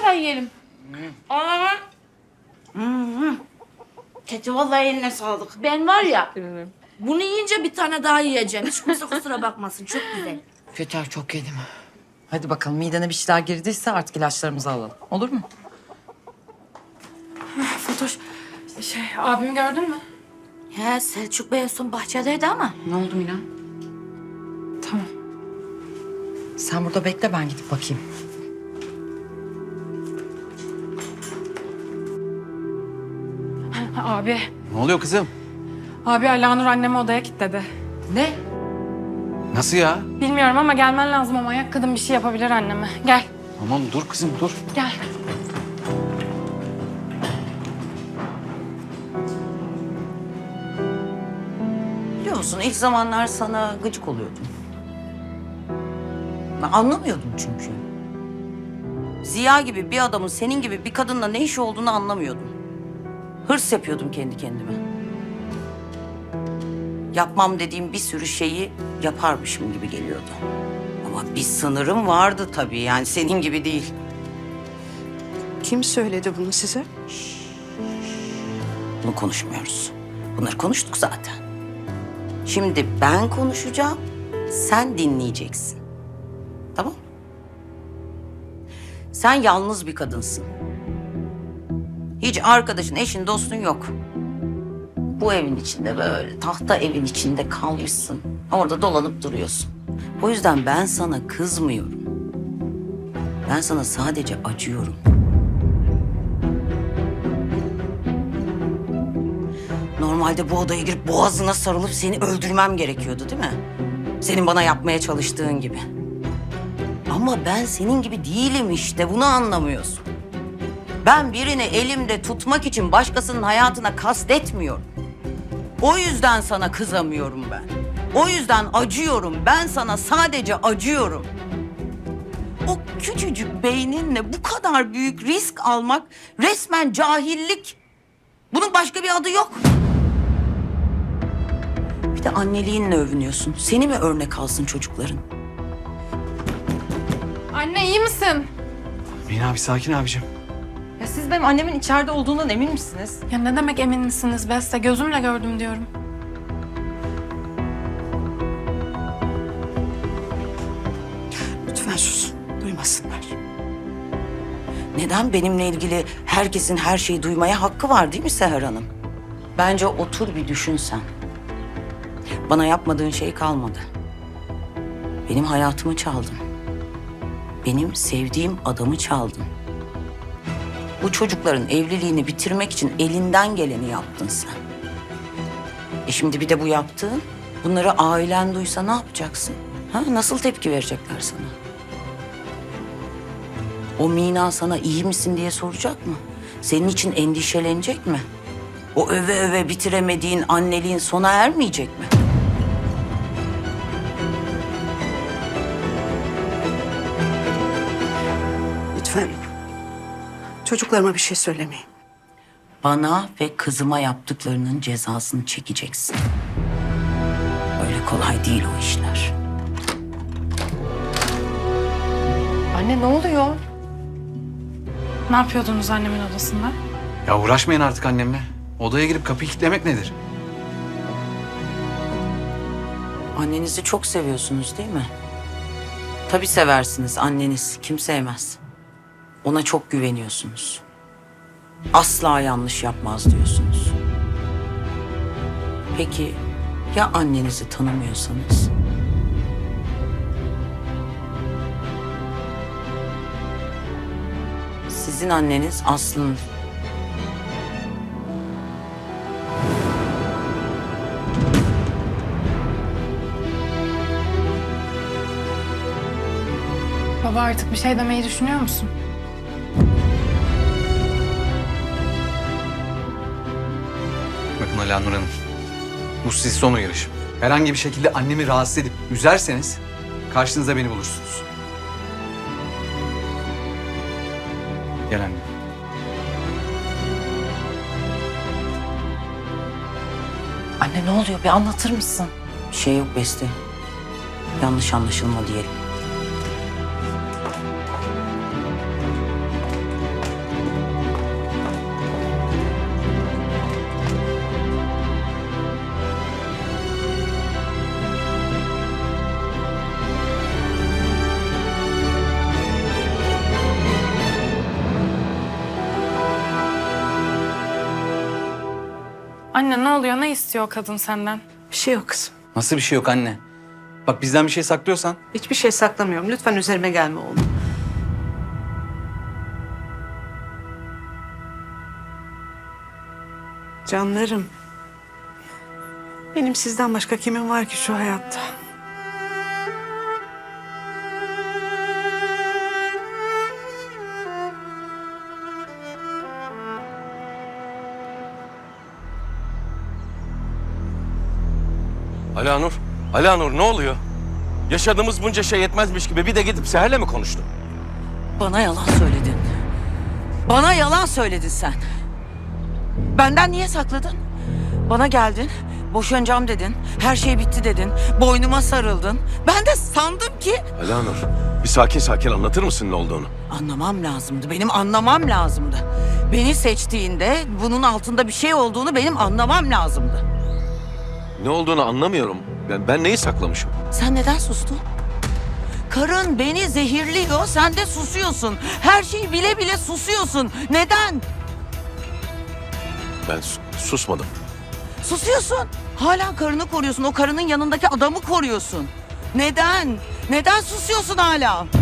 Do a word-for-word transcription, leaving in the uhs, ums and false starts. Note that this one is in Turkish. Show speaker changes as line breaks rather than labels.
lütfen yiyelim. Aa.
Keçi vallahi eline sağlık.
Ben var ya, bunu yiyince bir tane daha yiyeceğim. Hiç kimse kusura bakmasın. Çok güzel.
Yeter çok yedim.
Hadi bakalım midene bir şeyler girdiyse artık ilaçlarımızı alalım. Olur mu?
Fatoş, şey abimi gördün mü?
He, Selçuk Bey en son bahçedeydi ama.
Ne oldu Mina?
Tamam.
Sen burada bekle, ben gidip bakayım.
Abi,
Ne oluyor kızım?
abi Alanur annemi odaya kilitledi.
Ne?
Nasıl ya?
Bilmiyorum ama gelmen lazım ama ayak kadın bir şey yapabilir anneme. Gel,
Tamam dur kızım dur.
gel.
Biliyor musun ilk zamanlar sana gıcık oluyordum. Ben anlamıyordum çünkü. Ziya gibi bir adamın senin gibi bir kadınla ne işi olduğunu anlamıyordum. Hırs yapıyordum kendi kendime. Yapmam dediğim bir sürü şeyi yaparmışım gibi geliyordu. Ama bir sınırım vardı tabii, yani senin gibi değil.
Kim söyledi bunu size?
Bunu konuşmuyoruz. Bunları konuştuk zaten. Şimdi ben konuşacağım, sen dinleyeceksin. Tamam mı? Sen yalnız bir kadınsın. Hiç arkadaşın, eşin, dostun yok. Bu evin içinde böyle tahta evin içinde kalmışsın. Orada dolanıp duruyorsun. O yüzden ben sana kızmıyorum. Ben sana sadece acıyorum. Normalde bu odaya girip boğazına sarılıp seni öldürmem gerekiyordu değil mi? Senin bana yapmaya çalıştığın gibi. Ama ben senin gibi değilim işte, bunu anlamıyorsun. Ben birini elimde tutmak için başkasının hayatına kastetmiyorum. O yüzden sana kızamıyorum ben. O yüzden acıyorum. Ben sana sadece acıyorum. O küçücük beyninle bu kadar büyük risk almak resmen cahillik. Bunun başka bir adı yok. Bir de anneliğinle övünüyorsun. Seni mi örnek alsın çocukların?
Anne iyi misin?
Mina bir sakin abicim.
Ya siz benim annemin içeride olduğundan emin misiniz?
Ya ne demek emin misiniz Beste? Gözümle gördüm diyorum.
Lütfen sus. Duymasınlar.
Neden benimle ilgili herkesin her şeyi duymaya hakkı var değil mi Seher Hanım? Bence otur bir düşün sen. Bana yapmadığın şey kalmadı. Benim hayatımı çaldın. Benim sevdiğim adamı çaldın. Bu çocukların evliliğini bitirmek için elinden geleni yaptın sen. E şimdi bir de bu yaptığın, bunları ailen duysa ne yapacaksın? Ha? Nasıl tepki verecekler sana? O Mina sana iyi misin diye soracak mı? Senin için endişelenecek mi? O öve öve bitiremediğin anneliğin sona ermeyecek mi?
Lütfen. Çocuklarıma bir şey söylemeyin.
Bana ve kızıma yaptıklarının cezasını çekeceksin. Öyle kolay değil o işler.
Anne ne oluyor?
Ne yapıyordunuz annemin odasında?
Ya uğraşmayın artık annemle. Odaya girip kapıyı kilitlemek nedir?
Annenizi çok seviyorsunuz değil mi? Tabii seversiniz anneniz. Kim sevmez? Ona çok güveniyorsunuz. Asla yanlış yapmaz diyorsunuz. Peki ya annenizi tanımıyorsanız? Sizin anneniz aslında...
Baba artık bir şey demeyi düşünüyor musun?
Bakın Alanur Hanım. Bu siz son uyarışım. Herhangi bir şekilde annemi rahatsız edip üzerseniz karşınızda beni bulursunuz. Gel anne.
Anne ne oluyor? Bir anlatır mısın?
Bir şey yok Beste. Yanlış anlaşılma diyelim.
Anne ne oluyor? Ne istiyor o kadın senden?
Bir şey yok kızım.
Nasıl bir şey yok anne? Bak bizden bir şey saklıyorsan
Hiçbir şey saklamıyorum. Lütfen üzerime gelme oğlum. Canlarım. Benim sizden başka kimim var ki şu hayatta?
Alanur, Alanur ne oluyor? Yaşadığımız bunca şey yetmezmiş gibi bir de gidip Seher'le mi konuştun?
Bana yalan söyledin. Bana yalan söyledin sen. Benden niye sakladın? Bana geldin, boşanacağım dedin, her şey bitti dedin, boynuma sarıldın. Ben de sandım ki...
Alanur, bir sakin sakin anlatır mısın ne olduğunu?
Anlamam lazımdı, benim anlamam lazımdı. Beni seçtiğinde bunun altında bir şey olduğunu benim anlamam lazımdı.
Ne olduğunu anlamıyorum. Ben, ben neyi saklamışım?
Sen neden sustun? Karın beni zehirliyor, sen de susuyorsun. Her şeyi bile bile susuyorsun. Neden?
Ben sus- susmadım.
Susuyorsun. Hala karını koruyorsun. O karının yanındaki adamı koruyorsun. Neden? Neden susuyorsun hala?